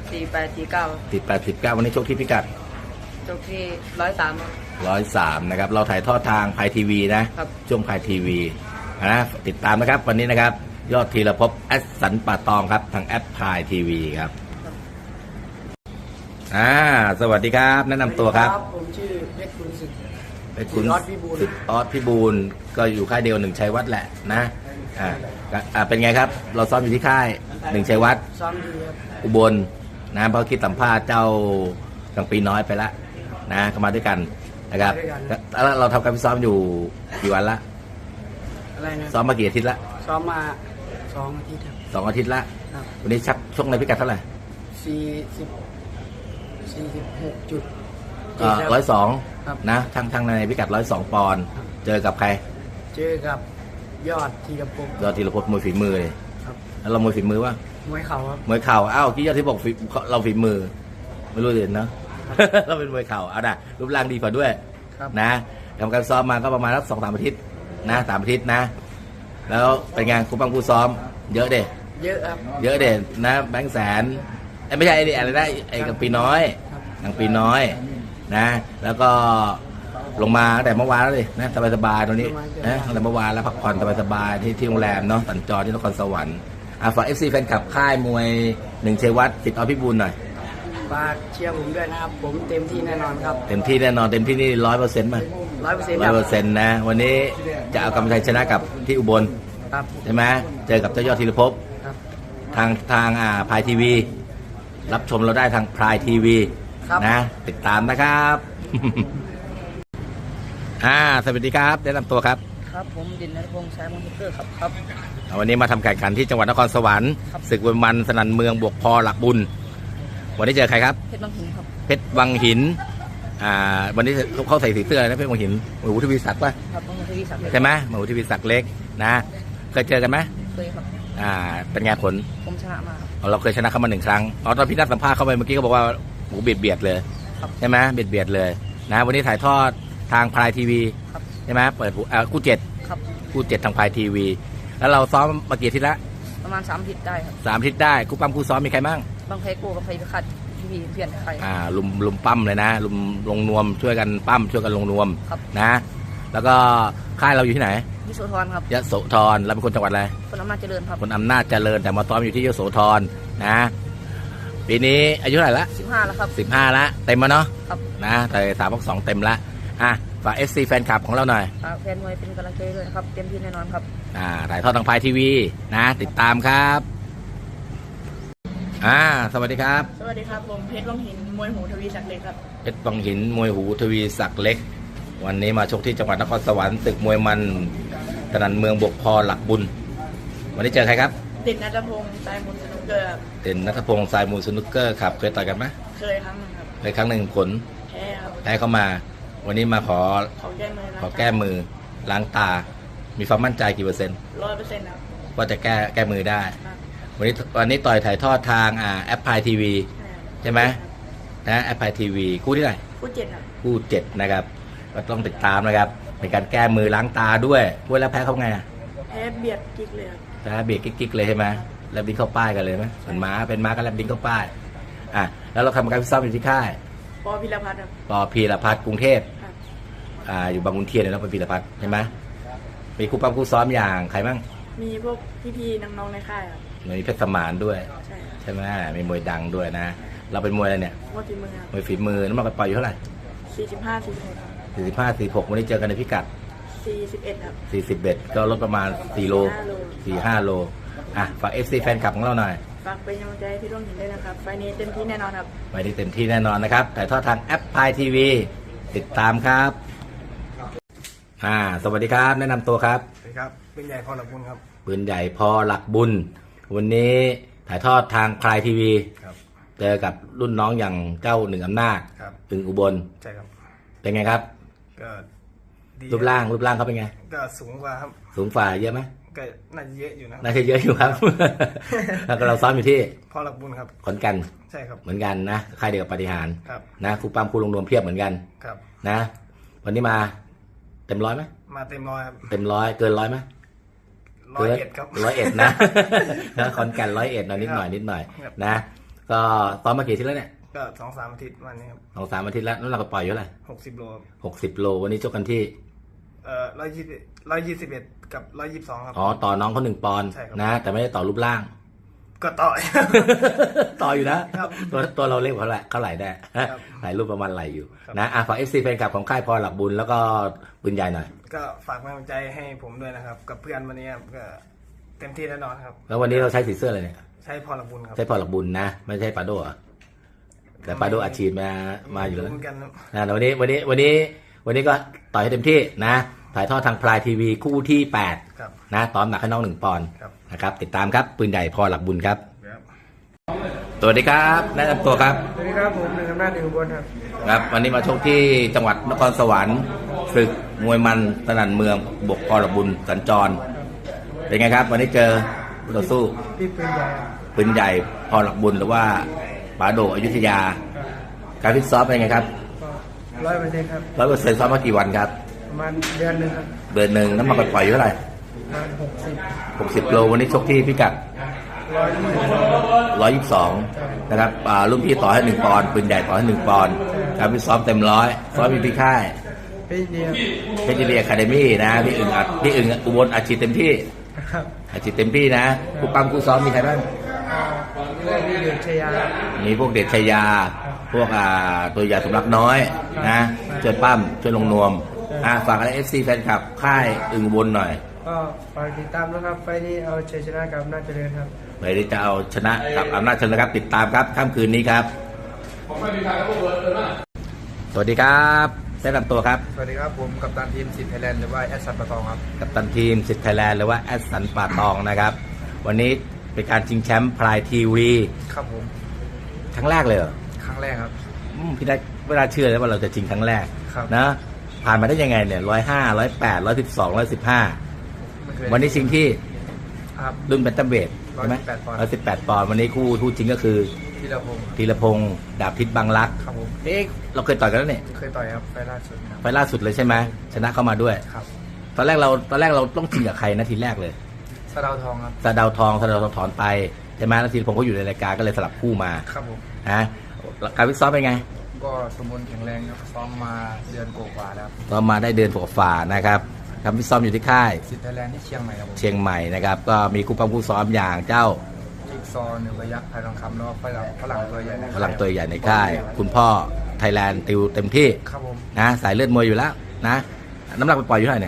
[SPEAKER 2] 48 49
[SPEAKER 1] ติด89วันนี้ชกที่พิกัด
[SPEAKER 2] จบที่103ครับ
[SPEAKER 1] 103นะครับเราถ่ายทอดทางพายทีวีนะครับ ช่วงพายทีวีนะติดตามนะครับวันนี้นะครับยอดธีรภพแอดสันป่าตองครับทางแอปพายทีวีครับสวัสดีครับแนะนำตัวครับ
[SPEAKER 2] ผมชื่อเพชรคุณศึก
[SPEAKER 1] เป็นคุณ
[SPEAKER 2] ออสพิบูล
[SPEAKER 1] สิทธิ์ออสพิบูลก็อยู่ค่ายเดียว1 ชัยวัฒน์แหละนะเป็นไงครับ เราซ้อมอยู่ที่ค่าย1 ชัยวัฒน์
[SPEAKER 2] ซ้อมดีครับ
[SPEAKER 1] อุบลนะเพราะคิดสัมภาษณ์เจ้ากังปีน้อยไปแล้วนะเข้ามาด้วยกันนะครับแล้วเราทำการฟิตซ้อมอยู่กี่วันละ
[SPEAKER 2] อะไรนะ
[SPEAKER 1] ซ้อมมากี่อาทิตย์ละ
[SPEAKER 2] ซ้อมมา2 อาทิตย์ครับ
[SPEAKER 1] 2 อาทิตย์ละ
[SPEAKER 2] ครับ
[SPEAKER 1] วันนี้ชักชกในพิกัดเท่าไหร่
[SPEAKER 2] 46 จุด
[SPEAKER 1] 102
[SPEAKER 2] ครับ
[SPEAKER 1] นะทั้งในพิกัด102 ปอนด์เจอกับใคร
[SPEAKER 2] เจอกับยอดธีรภพ
[SPEAKER 1] ยอดธีรพจน์มวยฝีมือเลย
[SPEAKER 2] ครับ
[SPEAKER 1] แล้วเรามวยฝีมือว่า
[SPEAKER 2] มวยเข่าครับ
[SPEAKER 1] มวยเข่ากี้ยอดที่บอกเราฝีมือ ไม่รู้เด่นเนาะ เราเป็นมวยเข่าเอานะรูปร่างดีกว่าด้วย
[SPEAKER 2] ครับ
[SPEAKER 1] นะทำการซ้อมมาก็ประมาณสัก2-3 อาทิตย์นะ3 อาทิตย์นะ แล้วเป็นไงครูปังครูซ้อม เยอะเด็
[SPEAKER 2] เยอะครับ
[SPEAKER 1] เยอะเด่นนะแบงค์แสนไม่ใช่ไอ้นี่อะไรนะไอ้กังปีน้อย
[SPEAKER 2] ครับ
[SPEAKER 1] กังปีน้อยนะ แล้วก็ลงมาตั้งแต่เมื่อวานแล้วดินะสบายๆตรงนี้นะตั้งแต่เมื่อวานแล้วพักผ่อนสบายๆที่โรงแรมเนาะสัญจรที่นครสวรรค์ฝากเอฟซีแฟนคลับค่ายมวยหนึ่งชัยวัฒน์ติดต่อพี่บูลหน่อย
[SPEAKER 2] ฝากเชียร์ผมด้วยนะครับผมเต็มที่แน่นอนครับ
[SPEAKER 1] เต็มที่แน่นอนเต็มที่นี่100%มั้ย
[SPEAKER 2] 100%
[SPEAKER 1] 100%นะวันนี้จะเอากำชัยชนะกับที่อุบล
[SPEAKER 2] ครับ
[SPEAKER 1] ใช่ไหมเจอกับเจ้ายอดธีรภพ
[SPEAKER 2] ครับ
[SPEAKER 1] ทางพายทีวีรับชมเราได้ทางพายทีวี
[SPEAKER 2] ครับ
[SPEAKER 1] นะติดตามนะครับ สวัสดีครับแนะนำตัวครับ
[SPEAKER 2] ครับผมดินนรพงษ์สายมอนเตอร์ครับ
[SPEAKER 1] วันนี้มาทำแข่งขันที่จังหวัดนครสวรรค์
[SPEAKER 2] ครับ
[SPEAKER 1] ศึกมวยมันสนั่นเมืองบวกพอหลักบุญ วันนี้เจอใครครับ
[SPEAKER 2] เพชรบางหินครับ
[SPEAKER 1] เพชรวังหินวันนี้เขาใส่สีเสื้ออะไรนะเพชรวังหินหมูทวีศักดิ์ป่ะ
[SPEAKER 2] ครับบางทวีศักดิ์
[SPEAKER 1] ใช่ไหมหมูทวีศักดิ์เล็กนะเคยเจอกันไหม
[SPEAKER 2] เคยครับ
[SPEAKER 1] เป็นไงผล
[SPEAKER 2] ผมชนะมาครับ
[SPEAKER 1] เราเคยชนะเขามา1 ครั้งตอนพี่นัดสัมภาษณ์เข้าไปเมื่อกี้เขาบอกว่าหมูเบียดเลย
[SPEAKER 2] ครับ
[SPEAKER 1] ใช่ไหมเบียดเลยนะวันนี้ถ่ายทอดทางพายทีวี
[SPEAKER 2] ครับ
[SPEAKER 1] ใช่ไหมเปิดคู่7
[SPEAKER 2] ครับ
[SPEAKER 1] คู่7ทางพายทีวีแล้วเราซ้อมมากี่อาทิตย์ละ
[SPEAKER 2] ประมาณ3 อาทิตย์ได้ครับ
[SPEAKER 1] 3 อาทิตย์ได้คู่ปั้มคู่ซ้อมมีใครบ้าง
[SPEAKER 2] บางไพโก้กับไพพิคัดพี่เพื่อนใคร
[SPEAKER 1] ลุมปั้มเลยนะลุมลงนวมช่วยกันปั้มช่วยกันลงนวม
[SPEAKER 2] ครับ
[SPEAKER 1] นะแล้วก็ค่ายเราอยู่ที่ไหน
[SPEAKER 2] วิโสธรครับ
[SPEAKER 1] ยโสธรเราเป็นคนจังหวัดอะไร
[SPEAKER 2] คนอำนาจเจริญครับ
[SPEAKER 1] คนอำนาจเจริญแต่มาซ้อมอยู่ที่ยโสธรนะปีนี้อายุเท่าไหร่ละ
[SPEAKER 2] 15แล้วครับ
[SPEAKER 1] 15ละเต็มแล้วเนาะ
[SPEAKER 2] ครับ
[SPEAKER 1] นะแต่3-2เต็มละฝาก FC แฟนคลับของเราหน่อย
[SPEAKER 2] ฝากแฟนมวยเป็นกำลังใจด้วยนะครับเต็มที่แน่นอนครับ
[SPEAKER 1] ถ่ายทอดทางพายทีวีนะติดตามครับสวัสดีครับ
[SPEAKER 4] สวัสดีครับผมเพชรวังหินมวยหูทวีศักดิ์เล็กครับ
[SPEAKER 1] เพชรวังหินมวยหูทวีศักดิ์เล็ก วันนี้มาชกที่จังหวัดนครสวรรค์ตึกมวยมันสนั่นเมืองบวกพอหลักบุญ วันนี้เจอใครครับ
[SPEAKER 4] เด่นนัทพงศ์สายมุนสนุกเกอร์ครับ
[SPEAKER 1] เด่นนัทพงศ์สายมูลสนุกเกอร์ครับเคยต่อยกันไหม
[SPEAKER 4] เคยครั้งหนึงครับ
[SPEAKER 1] เคยครั้งหนึ่งผล
[SPEAKER 4] แพ้ครับ
[SPEAKER 1] แพ้เข้ามา วันนี้มาขอ
[SPEAKER 4] ขอแก้มือ
[SPEAKER 1] ขอแก้มือล้างตา มีความมั่นใจกี่เปอร์เซ็นต์
[SPEAKER 4] 100%ครับ
[SPEAKER 1] ว่าจะแก้มือได้
[SPEAKER 4] ครับ
[SPEAKER 1] วันนี้ต่อยถ่ายทอดทางแอปพายทีวีใช่ไหมนะแอปพายทีวีคู่ที่ไหน
[SPEAKER 4] ผู้เจ็ดครับ
[SPEAKER 1] คู่7นะครับก็ต้องติดตามนะครับเป็นการแก้มือล้างตาด้วยเวลาแพ้เขาไง
[SPEAKER 4] แพ้เบียดกิกเลยครับ
[SPEAKER 1] แพ้เบียดกิ๊กๆเลยใช่ไหมแลบดิ้งเข้าป้ายกันเลยไหมเหมือนม้าเป็นม้าก็แลบดิ้งเข้าป้ายแล้วเราทำการฟิตซ้อมอยู่ที่ค่าย
[SPEAKER 4] ปอพิรพัฒน์ครับ
[SPEAKER 1] ปอพีรพัฒน์กรุงเทพ
[SPEAKER 4] ครับ
[SPEAKER 1] อยู่บางขุนเทียนเนี่ยเราเป็นพีรพัฒน์ใช่ไหมมีคู่ปั้มคู่ซ้อมอย่างใครบ้าง
[SPEAKER 4] มีพวกพี่ๆน้องๆในค่ายครับ
[SPEAKER 1] มีเพชรสมานด้วย
[SPEAKER 4] ใช่ครับ
[SPEAKER 1] ใช่ไหมมีมวยดังด้วยนะ เราเป็นมวยอะไรเนี่ย
[SPEAKER 4] มวยฝีมือครับ
[SPEAKER 1] มวยฝีมือน้ำหนักปล่อยอยู่เท่าไหร่
[SPEAKER 4] 45 46ครับ
[SPEAKER 1] 45 46วันนี้เจอกันในพิกัด
[SPEAKER 4] 41ครับ
[SPEAKER 1] 41ก็ลดประมาณ4 โล 4-5 โลฝาก FC แฟนคลับของเราหน่อย
[SPEAKER 4] ฝากเป็นกำลังใจให้พี่ร่วมหินด้วยนะครับไฟล์นี้เต็มที่แน่นอนครับ
[SPEAKER 1] ไว้ได้เต็มที่แน่นอนนะครับถ่ายทอดทางแอปพายทีวีติดตามครับสวัสดีครับแนะนำตัวครับ
[SPEAKER 5] สวัสดีครับเป็นใหญ่พรหลักบุญครับ
[SPEAKER 1] ปืนใหญ่พอหลักบุญ วันนี้ถ่ายทอดทางพายทีวี
[SPEAKER 5] ครับ
[SPEAKER 1] เจอกับรุ่นน้องอย่างเจ้าหนึ่งอำนาจ
[SPEAKER 5] ครับ
[SPEAKER 1] อึ่งอุบล
[SPEAKER 5] ใช่ครับ
[SPEAKER 1] เป็นไงครับ
[SPEAKER 5] ก็ดี
[SPEAKER 1] รูปร่างเขาเป็นไง
[SPEAKER 5] ก็สูงกว่าครับ
[SPEAKER 1] สูงฝ่าเยอะไหม
[SPEAKER 5] ก็น่าจะเยอะอยู่นะ
[SPEAKER 1] น่าจะเยอะอยู่ครับ แล้วก็เราซ้อมอยู่ที่
[SPEAKER 5] พรหลักบุญครับ
[SPEAKER 1] ขอนแก่น
[SPEAKER 5] ใช่ครับ
[SPEAKER 1] เหมือนกันนะค่ายเดียวกับปาฏิหาริย์
[SPEAKER 5] ครับ
[SPEAKER 1] นะครูปั้มครูลงนวมเพียบเหมือนกัน
[SPEAKER 5] ครับ
[SPEAKER 1] นะ วันนี้มาเต็มร้อยไหม
[SPEAKER 5] มาเต็มร้อยครับ
[SPEAKER 1] เต็มร้อยเกินร้อยไหม
[SPEAKER 5] 101ครับ
[SPEAKER 1] 101นะ นะขอนแก่น101นะนิดหน่อย
[SPEAKER 5] ครับ
[SPEAKER 1] นะ ก็ซ้อมมากี่อาทิตย์แล้วเนี่ย
[SPEAKER 5] ก็2-3 อาทิตย์วันนี้ครับ
[SPEAKER 1] 2-3 อาทิตย์แล้วน้ำหนักก็ปล่อยอยู่เท่าไหร่
[SPEAKER 5] 60 โลครับ
[SPEAKER 1] 60 โลวันนี้ชกกันที่
[SPEAKER 5] 121กับ122ครับ
[SPEAKER 1] ต่อน้องเขา1 ปอนด์
[SPEAKER 5] ใช่ครับ
[SPEAKER 1] นะ แต่ไม่ได้ต่อรูปร่าง
[SPEAKER 5] ก็ต่อย
[SPEAKER 1] ต่ออยู่นะครับ ตัวเราเล็กกว่าเท่าไหร่ได้
[SPEAKER 5] ครับ
[SPEAKER 1] ถ่ายรูปประมาณไหลอยู่
[SPEAKER 5] ครับ
[SPEAKER 1] นะฝาก FC แฟนคลับของค่ายพรหลักบุญแล้วก็ปืนใหญ่หน่อย
[SPEAKER 5] ก็ฝากกำลังใจให้ผมด้วยนะครับ กับเพื่อนวันนี้ครับก็เต็มที่แน่นอนครับ
[SPEAKER 1] แล้ววันนี้เราใช้สีเสื้ออะไรเนี่ย
[SPEAKER 5] ใช้พรหลักบุญครับ
[SPEAKER 1] ใช้พรหลักบุญนะ ไม่ใช่ปาโดเหรอแต่ปาโดอาชีพมาอยู่แล้ว
[SPEAKER 5] เหมือนกันครับ
[SPEAKER 1] แต่วันนี้ก็ต่อยให้เต็มที่นะถ่ายทอดทางพลายทีวีคู่ที่
[SPEAKER 5] ครับ
[SPEAKER 1] 8นะตอมหนักให้น้อง1 ปอนด์
[SPEAKER 5] ครับ
[SPEAKER 1] นะครับติดตามครับปืนใหญ่พอหลักบุญครับ
[SPEAKER 5] ครับ
[SPEAKER 1] สวัสดีครับแนะนำตัวครับ
[SPEAKER 5] สวัสดีครับผมหนึ่งอำนาจอุบลครับ
[SPEAKER 1] ครับ วันนี้มาชกที่จังหวัดนครสวรรค์ศึกมวยมันสนั่นเมืองบวกพอหลักบุญสัญจร เป็นไงครับ วันนี้เจอคู่ต่อสู้
[SPEAKER 5] พี่ปืนใหญ่
[SPEAKER 1] ปืนใหญ่พอหลักบุญหรือว่าปาโดอยุธยา การฟิตซ้อมเป็นไงครับ
[SPEAKER 5] 100%ครับ
[SPEAKER 1] 100%ซ้อมมากี่วันครับ
[SPEAKER 5] ประมาณเดือนหนึ่งครับ
[SPEAKER 1] เดือนหนึ่งน้ำหนักปล่อยอยู่เท่าไหร่
[SPEAKER 5] ประมาณ60
[SPEAKER 1] 60 โลวันนี้ชกที่พิกัด
[SPEAKER 5] 120
[SPEAKER 1] 122 นะครับรุ่นพี่ต่อให้1 ปอนด์ปืนใหญ่ต่อให้1 ปอนด์การฟิตซ้อมเต็มร้อยซ้อมอยู่ที่ค่าย
[SPEAKER 5] พี่เดียว
[SPEAKER 1] เพชรเรียคาเดมี่นะพี่อึ่งอุบลอาชีพเต็มที่
[SPEAKER 5] ครับ
[SPEAKER 1] อาชีพเต็มที่นะครูปั้มครูซ้อมมีใครบ้าง
[SPEAKER 5] เรื่องที่อยู่ชัยยาครับ
[SPEAKER 1] มีพวกเด็ดชัยยา พวกตัวยาสมรักน้อยนะช่วยปั้มช่วยลงนวมฝากอะไร FC แฟนคลับค่ายอึ่งอุบลหน่อย
[SPEAKER 5] ก็ฝากติดตามนะครับไฟล์นี้เอาชัยชนะกับอำนาจเจริญครับ
[SPEAKER 1] ไปที่จะเอาชนะกับอำนาจเจริญนะครับติดตามครับค่ำคืนนี้ครับสวัสดีครับแนะนำตัวครับ
[SPEAKER 5] สวัสดีครับผมกัปตันทีมสิทธิ์ไทยแลนด์หรือว่าแอดซันปะตองครับ
[SPEAKER 1] กัปตันทีมสิทธิ์ไทยแลนด์หรือว่าแอดสันป่าตองนะครับวันนี้เป็นการชิงแชมป์พลายทีวี
[SPEAKER 5] ครับผม
[SPEAKER 1] ครั้งแรกเลยเหรอ
[SPEAKER 5] ครั้งแรกครับ
[SPEAKER 1] พี่ได้ไม่น่าเชื่อเลยว่าเราจะชิงครั้งแรก
[SPEAKER 5] ครับ
[SPEAKER 1] นะผ่านมาได้ยังไงเนี่ย105 108 112
[SPEAKER 5] ไม่เคย
[SPEAKER 1] 115วันนี้ชิงที่
[SPEAKER 5] ครับ
[SPEAKER 1] รุ่นแบนตัมเวทใช่ไหม
[SPEAKER 5] 118 ปอนด์
[SPEAKER 1] 118 ปอนด์วันนี้คู่จริงก็คือ
[SPEAKER 5] ธีรพงศ์
[SPEAKER 1] ธีรพงศ์ดาบพิษบางรัก
[SPEAKER 5] ครับผม
[SPEAKER 1] เราเคยต่อยกันแล้วเนี่ย
[SPEAKER 5] เคยต่อยครับไฟล์ล่าสุดครับ
[SPEAKER 1] ไฟล์ล่าสุดเลยใช่ไหมชนะเข้ามาด้วย
[SPEAKER 5] ครับ
[SPEAKER 1] ตอนแรกเราต้องชิงกับใครนะทีแรกเลย
[SPEAKER 5] สะเดาวทองครับ
[SPEAKER 1] สะเดาวทองถอนไปใช่ไหมแล้วธีรพงศ์เขาอยู่ในรายการก็เลยสลับคู่มา
[SPEAKER 5] ครับผม
[SPEAKER 1] นะการวิเคราะห์เป็นไง
[SPEAKER 5] ก็สมบูรณ์แข็งแรงครับซ้อมมาเดือนกว่าๆแล้ว
[SPEAKER 1] ก็มาได้เดือนกว่าๆนะครับครับวิเคราะห์อยู่ที่ค่าย
[SPEAKER 5] สิทธิ์ไทยแลนด์ที่เชียงใหม่ครับผม
[SPEAKER 1] เชียงใหม่นะครับก็มีคู่ปั้มคู่ซ้อมอย่างเจ้า
[SPEAKER 5] จิ๊กซอว์หนึ่งระยะไทยทองคำแล้วก็ฝรั่งตัวใหญ่ใน
[SPEAKER 1] พลังตัวใหญ่ในค่าย คุณพ่อไทยแลนด์ติวเต็มที่
[SPEAKER 5] ครับผม
[SPEAKER 1] นะสายเลือดมวยอยู่แล้วนะน้ำหนักไปปล่อยอยู่เท่าไหร่เนี่ย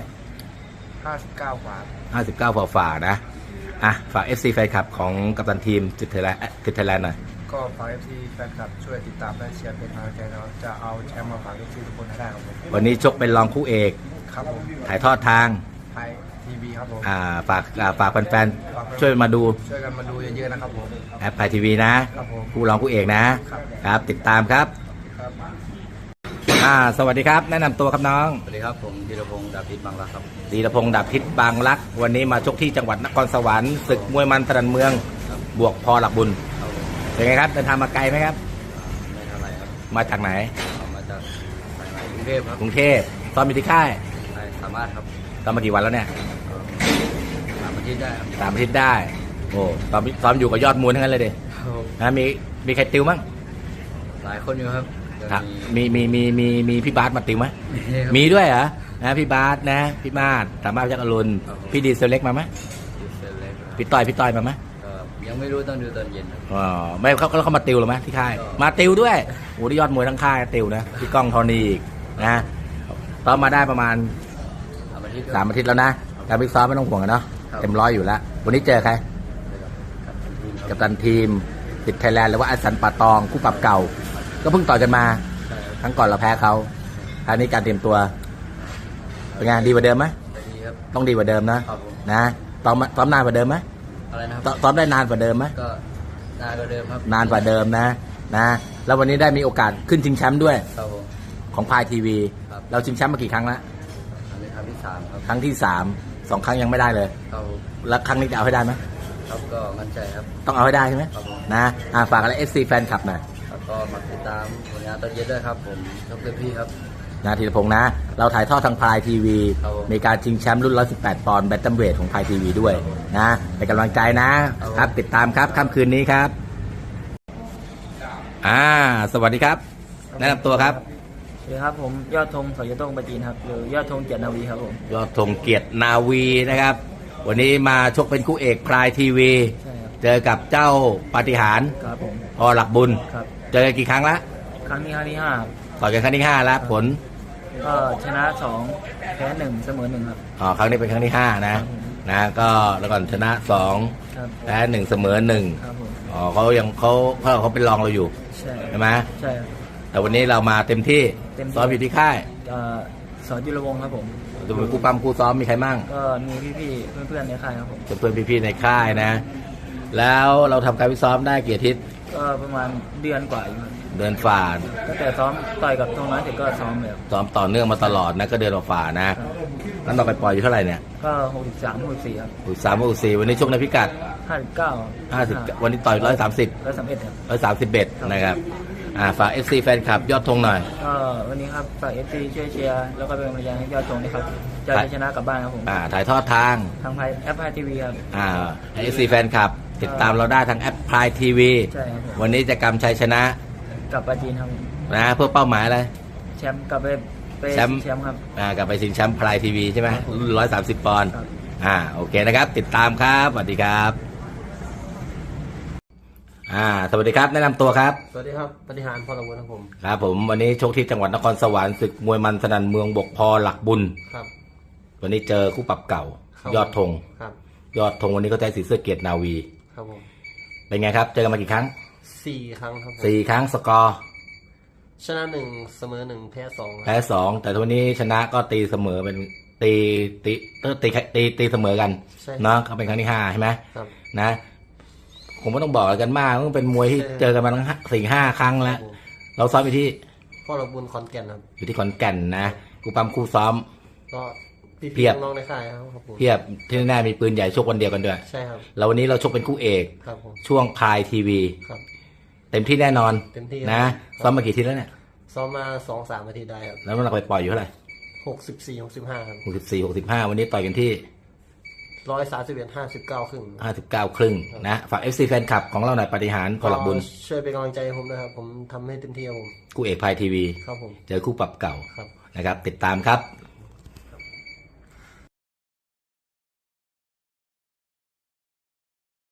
[SPEAKER 5] 59 กว่า
[SPEAKER 1] 59ฝ่าๆนะฝาก FC แฟนคลับของกัปตันทีมจิตไทยแลนด์หน่อย
[SPEAKER 5] ก็ฝาก FC แฟนคลับช่วยติดตามและเชียร์เป็นกำลังใจเราจะเอาแชมป์มาฝาก FC ทุกคนให้ได้ครับผม
[SPEAKER 1] วันนี้ชกเป็นรองคู่เอก
[SPEAKER 5] ครับผม
[SPEAKER 1] ถ่ายทอดทาง
[SPEAKER 5] ไทยทีวีครับผม
[SPEAKER 1] ฝากแฟนๆช่วยมาดู
[SPEAKER 5] ช่วยกันมาดูเยอะๆนะครับผม
[SPEAKER 1] แอปไทยทีวีนะครับ
[SPEAKER 5] ผม
[SPEAKER 1] คู่รองคู่เอกนะครับ ครับติดตามครับ
[SPEAKER 5] ครับ
[SPEAKER 1] สวัสดีครับ แนะนำตัวครับน้อง
[SPEAKER 2] สวัสดีครับผมธีรพงศ์ดาบพิษบางรักครับ
[SPEAKER 1] ธีรพงศ์ดาบพิษบางรัก วันนี้มาชกที่จังหวัดนครสวรรค์ศึกมวยมันตรันเมือง บวกพอหลักบุญ
[SPEAKER 2] ครับผม
[SPEAKER 1] เป็นไงครับเดินทางมาไกลไหมครับ
[SPEAKER 2] ไม่เท่าไหร่ครับ
[SPEAKER 1] มาจากไหน
[SPEAKER 2] เอามาจากสายไหมกรุงเทพครับ
[SPEAKER 1] กรุงเทพตอนมีที่ค่าย
[SPEAKER 2] ได้สามารถครับ
[SPEAKER 1] ตอนมากี่วันแล้วเนี่ย
[SPEAKER 2] สามอาทิตย์ได้ครับ
[SPEAKER 1] 3 อาทิตย์ได้โอ้ตอนอยู่กับยอดมวยทั้งนั้นเลยดินะมีใครติวมั้ง
[SPEAKER 2] หลายคนอยู่ครับเดี๋ยว
[SPEAKER 1] ครับ
[SPEAKER 2] มี
[SPEAKER 1] มีพี่บาสมาติวไหม
[SPEAKER 2] ครับ
[SPEAKER 1] มีด้วยเหรอนะพี่บาสนะพี่มาศสามารถยักษ์อรุณ
[SPEAKER 2] ครับผม
[SPEAKER 1] พี่ดีเซลเล็กมาไหม
[SPEAKER 2] เสร็จเลยครับ
[SPEAKER 1] พี่ต้อยมาไหม
[SPEAKER 2] ก็ยังไม่รู้ต้องดูตอนเย็นครับ
[SPEAKER 1] อ๋อไม่เขามาติวหรือไหมที่ค่าย มาติวด้วยโอ้ที่ยอดมวยทั้งค่ายติวนะพี่ก้องทอนีอีกนะตอนมาได้ประมาณ
[SPEAKER 2] สามอาทิตย์
[SPEAKER 1] 3 อาทิตย์แล้วนะการพิกซ้อมไม่ต้องห่วงกันเนาะ
[SPEAKER 2] ครับ
[SPEAKER 1] เต็มร้อยอยู่แล้ว วันนี้เจอใครกัปตันทีมติดไทยแลนด์หรือว่าอัสสันป่าตองคู่ปรับเก่า ก็เพิ่งต่อยกันมา
[SPEAKER 2] ใช่ครับ
[SPEAKER 1] ครั้งก่อนเราแพ้เขาคราวนี้การเตรียมตัวเป็นไงดีกว่าเดิมไหม
[SPEAKER 2] ไปดีครับ
[SPEAKER 1] ต้องดีกว่าเดิมนะครับ
[SPEAKER 2] ผม
[SPEAKER 1] นะซ้อมนานกว่าเดิมไหม
[SPEAKER 2] อะไรนะครับ
[SPEAKER 1] ซ้อมได้นานกว่าเดิมไหม
[SPEAKER 2] ก็นานกว่าเดิมครับ
[SPEAKER 1] นานกว่าเดิมนะแล้ววันนี้ได้มีโอกาสขึ้นชิงแชมป์ด้วย
[SPEAKER 2] ครับผม
[SPEAKER 1] ของพายทีวี
[SPEAKER 2] ครับ
[SPEAKER 1] เราชิงแชมป์มากี่ครั้งแล้ว
[SPEAKER 2] อันนี้ครั้งที่สามครับ
[SPEAKER 1] ครั้งที่2 ครั้งยังไม่ได้เลย
[SPEAKER 2] ครับผม
[SPEAKER 1] แล้วครั้งนี้จะเอาให้ได้ไหม
[SPEAKER 2] ครับก็มั่นใจครับ
[SPEAKER 1] ต้องเอาให้ได้ใช่ไหม
[SPEAKER 2] ครับผม
[SPEAKER 1] นะฝากอะไร FC แฟนคลับหน่อย
[SPEAKER 2] แล้วก็มาติดตามผลงานตอนเย็นด้วยครับผมชกเต็มที่ครับ
[SPEAKER 1] นะธีรพงษ์นะ เราถ่ายทอดทางพายทีวี
[SPEAKER 2] ครับผม
[SPEAKER 1] มีการชิงแชมป์รุ่น 118 ปอนด์แบนตัมเวทของพายทีวีด้วยนะเป็นกำลังใจนะครับติดตามครับค่ำคืนนี้ครับสวัสดีครับ แนะนำตัวครับ
[SPEAKER 2] สวัสดีครับผมยอดธงสอยต้งปจีนครับหรือยอดธงเกียรตินาวีครับผม
[SPEAKER 1] ยอดธงเกียรตินาวีนะครับ วันนี้มาชกเป็นคู่เอกพายทีวี
[SPEAKER 2] ใช่ครับ
[SPEAKER 1] เจอกับเจ้าปาฏิหาริย์
[SPEAKER 2] ครับผม
[SPEAKER 1] พอหลักบุญ
[SPEAKER 2] ครับ
[SPEAKER 1] เจอกันกี่ครั้งละ
[SPEAKER 2] ครั้งที่ห้าครับ
[SPEAKER 1] ต่อยกันครั้งที่5แล้วผล
[SPEAKER 2] ก็ชนะ2แพ้1เสมอ1ครับ
[SPEAKER 1] ครั้งนี้เป็นครั้งที่5นะก็แล้วก่อนชนะ2
[SPEAKER 2] ครับ
[SPEAKER 1] แพ้1เสมอ1
[SPEAKER 2] ครับผม
[SPEAKER 1] เขาเป็นรองเราอยู่
[SPEAKER 2] ใช่
[SPEAKER 1] ใช่ไหม
[SPEAKER 2] ใช่ครับ
[SPEAKER 1] แต่วันนี้เรามาเต็มที่
[SPEAKER 2] เต็มที่
[SPEAKER 1] ซ้อมอยู่ที่ค่าย
[SPEAKER 2] สอนจุลวงศ์ครับผม
[SPEAKER 1] จะเป็นคู่ปั้มคู่ซ้อมมีใครมั่ง
[SPEAKER 2] ก็มีพี่ๆเพื่อนๆในค่ายครับผม
[SPEAKER 1] เพื่อนๆพี่ๆในค่ายนะ แล้วเราทำการฟิตซ้อมได้กี่อาทิตย์
[SPEAKER 2] ก็ประมาณเดือนกว่าอยู่ครับ
[SPEAKER 1] เดินฝ่า
[SPEAKER 2] ตั้งแต่ซ้อมต่อยกับธงน้อยเสร็จก็ซ้อมเลยครับ
[SPEAKER 1] ซ้อมต่อเนื่องมาตลอดนะก็เดินฝ่านะนั้นเราไปปล่อยอยู่เท่าไหร่เนี่ย
[SPEAKER 2] ก็63 64ครับ
[SPEAKER 1] 3 วันนี้ชกในพิกัด
[SPEAKER 2] 59
[SPEAKER 1] 50วันนี้ต่อย130
[SPEAKER 2] 131ครับ
[SPEAKER 1] 131นะครับฝาก FC แฟนคลับยอดธงหน่อย
[SPEAKER 2] ก็วันนี้ครับฝาก FC ช่วยเชียร์แล้วก็เป็นกำลังใจให้ยอดธงนะครับจะได้ชนะกลับบ้านครับผม
[SPEAKER 1] ถ่ายทอดทาง
[SPEAKER 2] ทางแอปพายทีวีครับ
[SPEAKER 1] ให้ FC แฟนคลับ ติดตามเราได้ทางแอปพลายทีวี
[SPEAKER 2] ใช่ครับผม
[SPEAKER 1] วันนี้จะกำชัยชนะ
[SPEAKER 2] กลับปาจีนครับ
[SPEAKER 1] นะเพื่อเป้าหมายอะไร
[SPEAKER 2] แชมป์กลับไป
[SPEAKER 1] แชมป์
[SPEAKER 2] แชมป์ครับ
[SPEAKER 1] กลับไปชิงแชมป์พลายทีวีใช่ไหมรุ่น130 ปอนด์
[SPEAKER 2] ครับ
[SPEAKER 1] โอเคนะครับ ติดตามครับสวัสดีครับสวัสดีครับแนะนำตัวครับ
[SPEAKER 6] สวัสดีครับปฏิหารพลบุญครับผม
[SPEAKER 1] ครับผมวันนี้ชกที่จังหวัดนครสวรรค์ศึกมวยมันสนั่นเมืองบกพอหลักบุญ
[SPEAKER 6] ครับ
[SPEAKER 1] วันนี้เจอคู่ปรับเก่า
[SPEAKER 6] ครับ
[SPEAKER 1] ยอดธง
[SPEAKER 6] ครับ
[SPEAKER 1] ยอดธงวันนี้ก็ใช้สีเสื้อเกียรตินาวี
[SPEAKER 6] ครับผม
[SPEAKER 1] เป็นไงครับเจอกันมากี่ครั้ง
[SPEAKER 6] 4 ครั้งครับผม
[SPEAKER 1] 4 ครั้งสกอร์
[SPEAKER 6] ชนะ 1 เสมอ 1 แพ้ 2
[SPEAKER 1] แพ้2แต่วันนี้ชนะก็ตีเสมอเป็นตีเสมอกัน
[SPEAKER 6] ใช่
[SPEAKER 1] เนาะเขาเป็นครั้งที่5ใช่ไหม
[SPEAKER 6] ครับ
[SPEAKER 1] นะผมไม่ต้องบอกอะไรกันมากมันเป็นมวยที่เจอกันมาทั้ง4-5 ครั้งแล้ว
[SPEAKER 6] ผม
[SPEAKER 1] เราซ้อมอยู่ที่
[SPEAKER 6] พลบุญขอนแก่นครับ
[SPEAKER 1] อยู่ที่ขอนแก่นนะกูปั๊มคู่ซ้อม
[SPEAKER 6] ก็พี่
[SPEAKER 1] เพียบ
[SPEAKER 6] น้องๆในค่ายครับผม
[SPEAKER 1] เพียบที่แน่ๆมีปืนใหญ่ชกวันเดียวกันด้วย
[SPEAKER 6] ใช่ครับ
[SPEAKER 1] แล้ววันนี้เราชกเป็นคู่เอก
[SPEAKER 6] ครับผม
[SPEAKER 1] ช่วงพายทีวี
[SPEAKER 6] ครับ
[SPEAKER 1] เต็มที่แน่นอน
[SPEAKER 6] เต็มที่
[SPEAKER 1] นะครับ ซ้อมมากี่ทีแล้วเนี่ย
[SPEAKER 6] ซ้อมมา 2-3 อาทิตย์ได้ครับ
[SPEAKER 1] แล้วมันเราไปปล่อยอยู่เท่าไหร่
[SPEAKER 6] 64-65 ครับ
[SPEAKER 1] 64-65 วันนี้ต่อยกันที่
[SPEAKER 6] 131-59 ครึ่ง
[SPEAKER 1] 59 ครึ่งนะฝาก FC แฟนคลับของเราหน่อยปฏิหารพอหลักบุญ
[SPEAKER 6] ช่วยเป็นกำลังใจให้ผมด้วยครับผมทำให้เต็มที่ครับผม
[SPEAKER 1] คู่เอกพายทีวี
[SPEAKER 6] ครับผม
[SPEAKER 1] เจอคู่ปรับเก่า
[SPEAKER 6] ครับ
[SPEAKER 1] นะครับติดตามครับ